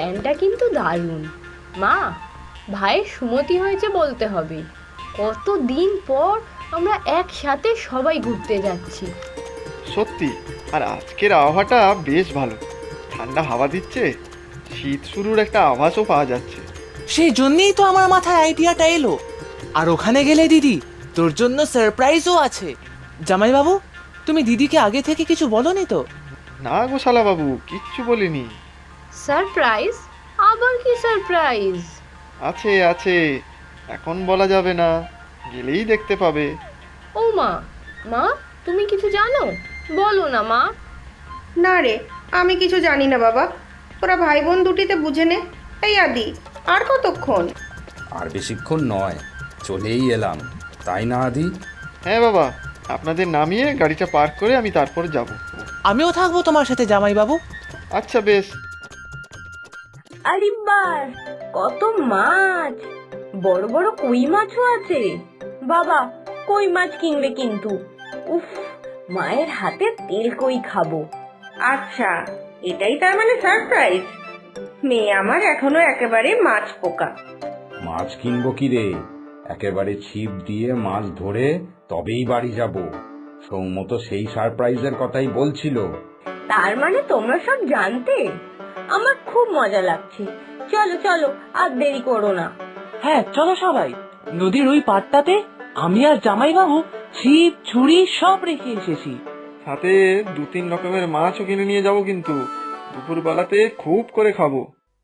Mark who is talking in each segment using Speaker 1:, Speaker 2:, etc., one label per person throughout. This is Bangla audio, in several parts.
Speaker 1: প্ল্যানটা কিন্তু দারুণ। মা, ভাইয়ের সুমতি হয়েছে বলতে হবে। কতদিন পর আমরা একসাথে সবাই ঘুরতে যাচ্ছি।
Speaker 2: সত্যি, আর আজকের আবহাওয়াটা বেশ ভালো, ঠান্ডা হাওয়া দিচ্ছে, শীত শুরুর একটা আভাসও পাওয়া যাচ্ছে।
Speaker 3: সেই জন্যই তো আমার মাথায় আইডিয়াটা এলো। আর ওখানে গেলে দিদি, তোর জন্য সারপ্রাইজও আছে। জামাইবাবু, তুমি দিদিকে আগে থেকে কিছু বলনি তো?
Speaker 2: না গো শালাবাবু, কিচ্ছু বলিনি।
Speaker 1: সারপ্রাইজ? আবার কি সারপ্রাইজ?
Speaker 2: আছে আছে, এখন বলা যাবে না, গেলেই দেখতে পাবে।
Speaker 1: ও মা, মা তুমি কিছু জানো? বলো না মা।
Speaker 4: না রে, আমি কিছু জানি না বাবা, তোরা ভাই বোন দুটিতে বুঝে নে। এই আদি, আর কতক্ষণ?
Speaker 5: আর বেশিক্ষণ নয়, চলেই এলাম, তাই না আদি?
Speaker 2: হ্যাঁ বাবা, আপনাদের নামিয়ে গাড়িটা পার্ক করে আমি তারপর যাব।
Speaker 3: আমিও থাকবো তোমার সাথে জামাইবাবু।
Speaker 2: আচ্ছা বেশ।
Speaker 1: আরে বাস, কত মাছ! বড় বড় কই মাছও আছে। বাবা, কই মাছ কিনবে কিন্তু। উফ, মায়ের হাতে তেল কই খাবো।
Speaker 4: আচ্ছা, এটাই তার মানে সারপ্রাইজ? মেয়ে আমার এখনো একেবারে মাছ পোকা।
Speaker 5: মাছ কিনবো কি রে, একেবারে ছিপ দিয়ে মাছ ধরে তবেই বাড়ি যাব। সৌম্য তো সেই সারপ্রাইজের কথাই বলছিল।
Speaker 1: তার মানে তোমরা সব জানতে? আমার খুব মজা লাগছে। চলো চলো, আর দেরি করো না।
Speaker 3: হ্যাঁ চলো সবাই, নদীর ওই পাড়টাতে আমি আর জামাইবাবু ছিপ ছুরি সব রেখে এসেছি।
Speaker 2: সাথে 2-3 রকমের মাছও কিনে নিয়ে যাব, কিন্তু দুপুরবেলাতে খুব করে খাবো।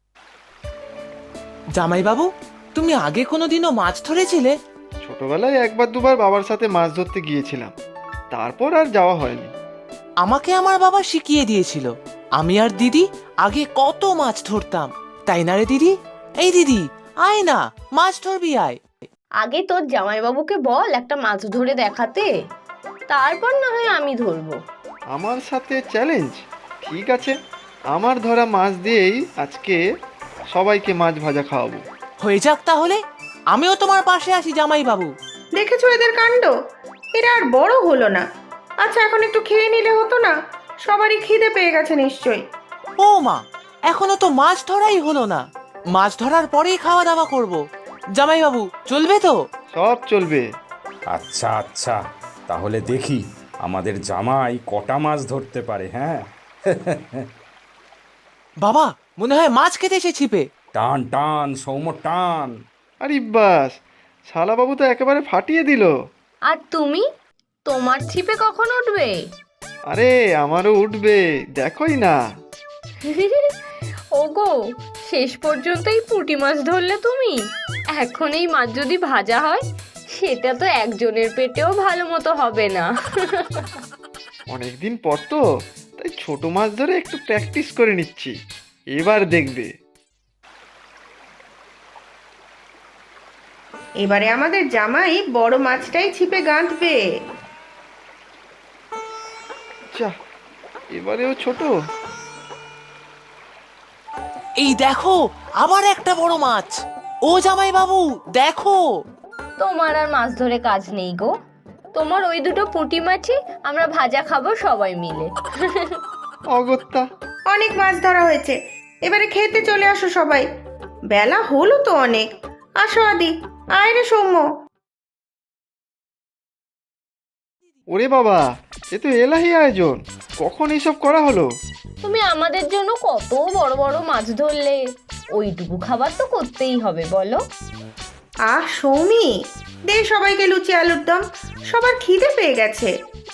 Speaker 3: জামাইবাবু, তুমি আগে কোনোদিনও মাছ ধরেছিলে?
Speaker 2: ছোটবেলায় একবার দুবার বাবার সাথে মাছ ধরতে গিয়েছিলাম, তারপর আর যাওয়া হয়নি।
Speaker 3: আমাকে আমার বাবা শিখিয়ে দিয়েছিল। আমি আর দিদি আগে কত মাছ ধরতাম, তাই না রে দিদি? এই দিদি, আয় না, মাছ ধরবি আয়।
Speaker 1: আগে তোর জামাইবাবুকে বল একটা মাছ ধরে দেখাতে, তারপর না হয় আমি ধরবো।
Speaker 2: আমার সাথে চ্যালেঞ্জ? ঠিক আছে, আমার ধরা মাছ দিয়েই আজকে সবাইকে মাছ ভাজা খাওয়াবো।
Speaker 3: হয়ে যাক তাহলে, আমিও তোমার পাশে আছি জামাইবাবু।
Speaker 4: দেখেছো এদের কাণ্ড? এরা আর বড় হলো না। আচ্ছা, এখন একটু খেয়ে নিলে হতো না? সবারই খিদে পেয়ে গেছে নিশ্চয়ই।
Speaker 3: ও মা, এখনো তো মাছ ধরাই হলো না। মাছ ধরার পরেই খাওয়া দাওয়া করব। জামাইবাবু, চলবে তো?
Speaker 2: সব চলবে।
Speaker 5: আচ্ছা আচ্ছা, তাহলে দেখি আমাদের জামাই কটা মাছ ধরতে পারে। হ্যাঁ,
Speaker 3: বাবা, মনে হয় মাছ খেতে এসে ছিপে।
Speaker 5: টান টান সৌম্য টান।
Speaker 2: আরে বাস, শালাবাবু তো একেবারে ফাটিয়ে দিল।
Speaker 1: আর তুমি, তোমার ছিপে কখন উঠবে?
Speaker 2: আরে আমারও উঠবে, দেখোই না।
Speaker 1: ওগো, শেষ পর্যন্ত এই পুঁটি মাছ ধরলে তুমি? এখন এই মাছ যদি ভাজা হয়, সেটা তো একজনের পেটেও ভালো মতো হবে না।
Speaker 2: অনেকদিন পর তো, তাই ছোট মাছ ধরে একটু প্র্যাকটিস করে নিচ্ছি, এবার দেখবে।
Speaker 4: এবারে আমাদের জামাই বড় মাছটাই ছিপে গাঁথবে।
Speaker 2: যা, এবারেও ছোট।
Speaker 3: এই দেখো, আবার একটা বড় মাছ। ও জামাইবাবু, দেখো।
Speaker 1: তোমার আর মাছ ধরে কাজ নেই গো। তোমার ওই দুটো পুঁটি মাছই আমরা ভাজা খাবো সবাই মিলে।
Speaker 2: অগত্যা।
Speaker 4: অনেক মাছ ধরা হয়েছে, এবারে খেতে চলে আসো সবাই। বেলা হলো তো অনেক। আসো আদি, আয় রে সৌম্য।
Speaker 2: ওরে বাবা, এ তো এলাহি আয়োজন, কখন এইসব করা হলো?
Speaker 1: তুমি আমাদের জন্য কত বড় বড় মাছ ধরলে, ওইটুকু খাবার তো করতেই হবে বলো।
Speaker 4: আহ সৌমি, দে সবাইকে লুচি আলুর দম, সবার খিদে পেয়ে গেছে।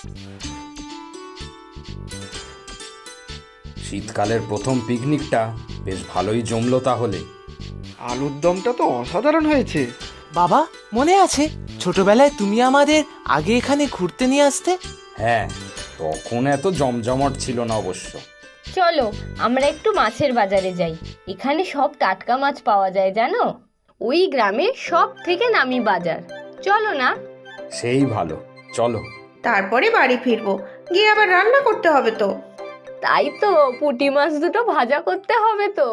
Speaker 5: শীতকালের প্রথম পিকনিকটা বেশ ভালোই জমলো তাহলে।
Speaker 2: আলুর দমটা তো অসাধারণ হয়েছে।
Speaker 3: বাবা, মনে আছে ছোটবেলায় তুমি আমাদের আগে এখানে ঘুরতে নিয়ে আসতে?
Speaker 5: হ্যাঁ, তখন এত জমজমট ছিল না অবশ্য।
Speaker 1: চলো আমরা একটু মাছের বাজারে যাই, এখানে সব টাটকা মাছ পাওয়া যায় জানো। ওই গ্রামে সব থেকে নামি বাজার। চলো না?
Speaker 5: সেই ভালো, চলো।
Speaker 4: তারপরে বাড়ি ফিরবো, গিয়ে আবার রান্না করতে হবে তো।
Speaker 1: তাই তো, পুঁটি মাছ দুটো ভাজা করতে হবে তো।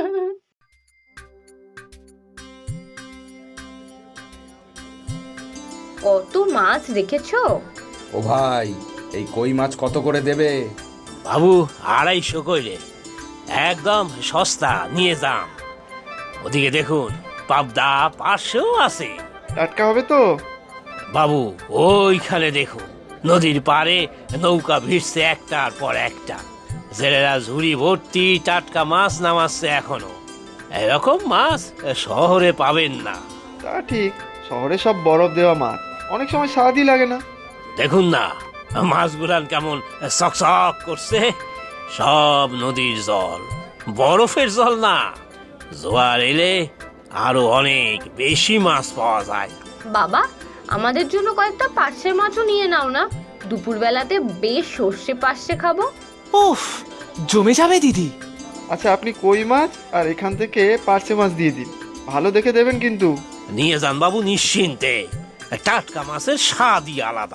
Speaker 1: কত মাছ দেখেছো?
Speaker 5: ও ভাই, এই কই মাছ কত করে দেবে?
Speaker 6: বাবু 250 কইলে, একদম সস্তা, নিয়ে যান। ওদিকে দেখুন, পাবদা 500 আছে।
Speaker 2: টাটকা হবে তো?
Speaker 6: বাবু, ওইখানে দেখুন, নদীর পাড়ে নৌকা ভিড়ছে একটার পর একটা। জেলেরা ঝুড়ি ভর্তি টাটকা মাছ নামাচ্ছে এখনো। এরকম মাছ শহরে পাবেন না।
Speaker 2: তা ঠিক, শহরে সব বরফ দেওয়া মাছ, অনেক সময় স্বাদই লাগে না।
Speaker 6: দেখুন না, মাছগুলান কেমন চকচক করছে। সব নদীর জল, বরফের জল না। জোয়ার এলে আরো অনেক বেশি মাছ পাওয়া যায়।
Speaker 1: বাবা, আমাদের জন্য কয়েকটা পার্শে মাছও নিয়ে নাও না, দুপুরবেলাতে বেশ সর্ষে পার্শে খাবো।
Speaker 3: উফ, জমে যাবে দিদি।
Speaker 2: আচ্ছা, আপনি কই মাছ আর এখান থেকে পার্শে মাছ দিয়ে দিন, ভালো দেখে দেবেন কিন্তু।
Speaker 6: নিয়ে যান বাবু, নিশ্চিন্তে। টাটকা মাছের স্বাদই আলাদা।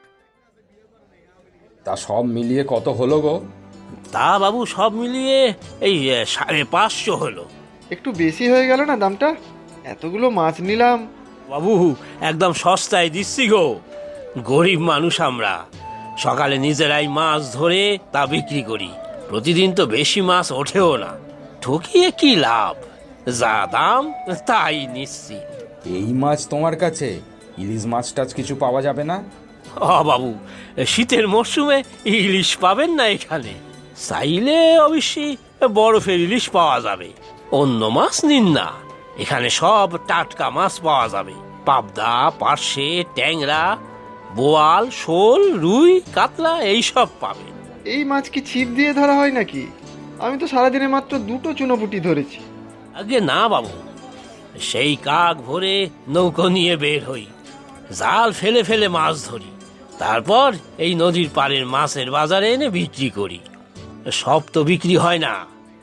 Speaker 5: তা সব মিলিয়ে কত হলো গো?
Speaker 6: তা বাবু, সব মিলিয়ে এই 550 হলো।
Speaker 2: একটু বেশি হয়ে গেল না দামটা? এতগুলো মাছ নিলাম।
Speaker 6: বাবু, একদম সস্তায় দিচ্ছি গো। গরিব মানুষ আমরা, সকালে নিজেরাই মাছ ধরে তা বিক্রি করি। প্রতিদিন তো বেশি মাছ ওঠেও না, ঠকিয়ে কি লাভ? যা দাম তাই নিচ্ছি।
Speaker 5: এই মাছ তোমার কাছে? ইলিশ মাছ টাছ কিছু পাওয়া যাবে না?
Speaker 6: বাবু, শীতের মরশুমে ইলিশ পাবেন না এখানে। চাইলে অবশ্যই বরফের ইলিশ পাওয়া যাবে। অন্য মাছ নিন না, এখানে সব টাটকা মাছ পাওয়া যাবে। পাবদা, পার্শে, ট্যাংরা, বোয়াল, শোল, রুই, কাতলা এইসব পাবেন।
Speaker 2: এই মাছ কি ছিপ দিয়ে ধরা হয় নাকি? আমি তো সারাদিনে মাত্র 2টো চুনোপুটি ধরেছি।
Speaker 6: আগে না বাবু, সেই কাক ভরে নৌকো নিয়ে বের হই, জাল ফেলে ফেলে মাছ ধরি, তারপর এই নদীর পাড়ের মাছের বাজারে এনে বিক্রি করি। সব তো বিক্রি হয় না,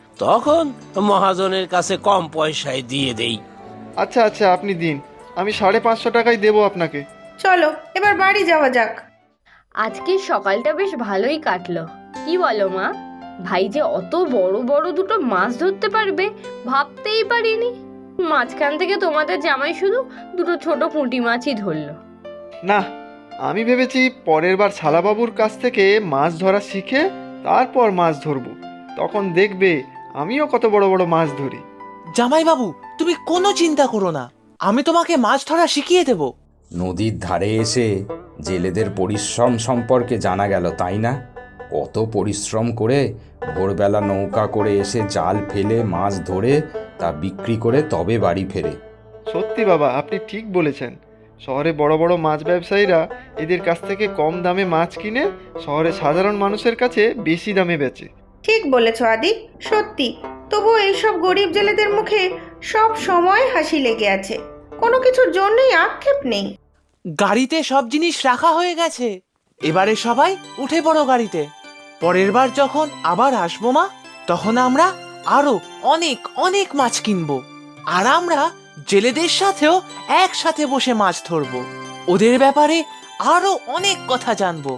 Speaker 6: তখন মহাজনের কাছে কম পয়সায় দিয়ে দেই।
Speaker 2: আচ্ছা আচ্ছা, আপনি দিন, আমি 550 টাকাই দেবো আপনাকে।
Speaker 4: চলো এবার বাড়ি যাওয়া যাক।
Speaker 1: আজকের সকালটা বেশ ভালোই কাটলো, কি বলো মা? ভাই যে অত বড় বড় দুটো মাছ ধরতে পারবে ভাবতেই পারিনি। মাঝখান থেকে তোমাদের জামাই শুধু দুটো ছোট পুঁটি মাছই ধরলো।
Speaker 2: না, আমি ভেবেছি পরের বার শালাবাবুর কাছ থেকে মাছ ধরা শিখে তারপর মাছ ধরবো, তখন দেখবে আমিও কত বড় বড় মাছ ধরি।
Speaker 3: জামাইবাবু, তুমি কোনো চিন্তা করো না, আমি তোমাকে মাছ ধরা শিখিয়ে দেব।
Speaker 5: নদীর ধারে এসে জেলেদের পরিশ্রম সম্পর্কে জানা গেল, তাই না? কত পরিশ্রম করে ভোরবেলা নৌকা করে এসে জাল ফেলে মাছ ধরে তা বিক্রি করে তবে বাড়ি ফেরে।
Speaker 2: সত্যি বাবা, আপনি ঠিক বলেছেন। শহরে বড় বড় মাছ ব্যবসায়ীরা এদের কাছ থেকে কম দামে মাছ কিনে শহরে সাধারণ মানুষের কাছে বেশি দামে বেচে।
Speaker 4: ঠিক বলেছ আদি, সত্যি। তবুও এইসব গরিব জেলেদের মুখে সব সময় হাসি লেগে আছে, কোনো কিছুর জন্যই আক্ষেপ নেই।
Speaker 3: গাড়িতে সব জিনিস রাখা হয়ে গেছে, এবারে সবাই উঠে পড়ো গাড়িতে। পরের বার যখন আবার আসবো মা, তখন আমরা আরো অনেক অনেক মাছ কিনবো, আর আমরা জেলেদের সাথেও একসাথে বসে মাছ ধরবো, ওদের ব্যাপারে আরো অনেক কথা জানবো।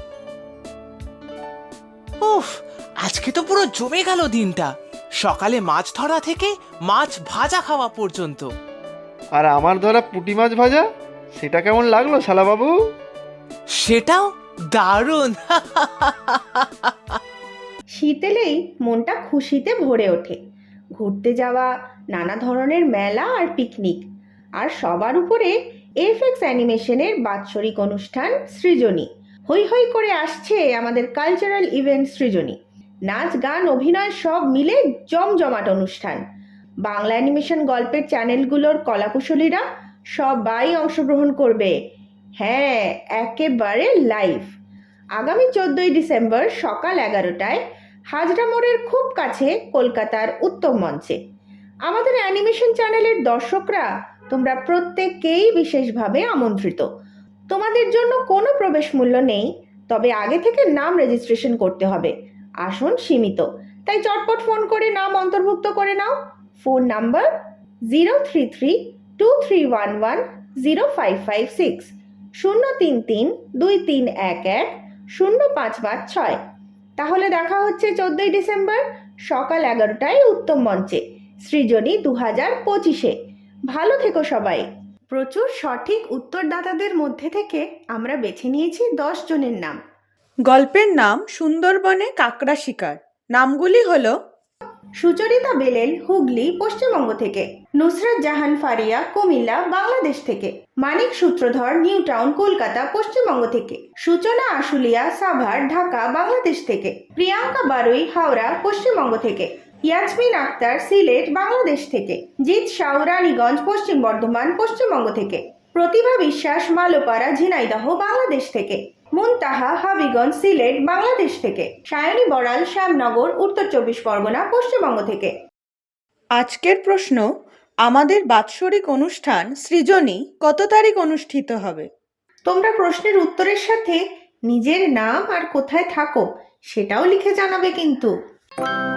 Speaker 3: উফ, আজকে তো পুরো জমে গেল দিনটা, সকালে মাছ ধরা থেকে মাছ ভাজা খাওয়া পর্যন্ত।
Speaker 2: আর আমার ধরা পুঁটি মাছ ভাজা, সেটা কেমন লাগলো শালাবাবু?
Speaker 3: সেটাও দারুণ।
Speaker 4: শীত এলেই মনটা খুশিতে ভরে ওঠে। ঘুরতে যাওয়া, নানা ধরনের মেলা আর পিকনিক, আর সবার উপরে এফএক্স অ্যানিমেশনের বাৎসরিক অনুষ্ঠান সৃজনী। হই হই করে আসছে আমাদের কালচারাল ইভেন্ট সৃজনী। নাচ, গান, অভিনয় সব মিলে জমজমাট অনুষ্ঠান। বাংলা অ্যানিমেশন গল্পের চ্যানেলগুলোর কলাকুশলীরা সবাই অংশগ্রহণ করবে। হ্যাঁ, একেবারে লাইভ। আগামী 14ই ডিসেম্বর সকাল 11টায় হাজরা মোড়ের খুব কাছে কলকাতার উত্তম মঞ্চে। আমাদের অ্যানিমেশন চ্যানেলের দর্শকরা তোমরা প্রত্যেককেই বিশেষভাবে আমন্ত্রিত। তোমাদের জন্য কোনো প্রবেশ মূল্য নেই, তবে আগে থেকে নাম রেজিস্ট্রেশন করতে হবে। আসন সীমিত, তাই চটপট ফোন করে নাম অন্তর্ভুক্ত করে নাও। Phone number 033-2311-0556, 033-2311-0556। তাহলে দেখা হচ্ছে 14ই ডিসেম্বর সকাল 11টায় উত্তম মঞ্চে, সৃজনী 2025-এ। ভালো থেকো সবাই। প্রচুর সঠিক উত্তরদাতাদের মধ্যে থেকে আমরা বেছে নিয়েছি 10 জনের নাম।
Speaker 7: গল্পের নাম সুন্দরবনে কাকড়া শিকার। নামগুলি হলো
Speaker 4: সুচরিতা বেলেল হুগলি পশ্চিমবঙ্গ থেকে, নুসরাত জাহান ফারিয়া কুমিল্লা বাংলাদেশ থেকে, মানিক সূত্রধর নিউ টাউন কলকাতা পশ্চিমবঙ্গ থেকে, সূচনা আশুলিয়া সাভার ঢাকা বাংলাদেশ থেকে, প্রিয়াঙ্কা বারুই হাওড়া পশ্চিমবঙ্গ থেকে, ইয়াসমিন আক্তার সিলেট বাংলাদেশ থেকে, জিৎ সাউ রানীগঞ্জ পশ্চিম বর্ধমান পশ্চিমবঙ্গ থেকে, প্রতিভা বিশ্বাস মালোপাড়া ঝিনাইদহ বাংলাদেশ থেকে, মুনতাহা হাবিগঞ্জ সিলেট বাংলাদেশ থেকে, সায়নী বড়াল শ্যামনগর উত্তর 24 পরগনা পশ্চিমবঙ্গ থেকে।
Speaker 7: আজকের প্রশ্ন, আমাদের বাৎসরিক অনুষ্ঠান সৃজনী কত তারিখ অনুষ্ঠিত হবে?
Speaker 4: তোমরা প্রশ্নের উত্তরের সাথে নিজের নাম আর কোথায় থাকো সেটাও লিখে জানাবে কিন্তু।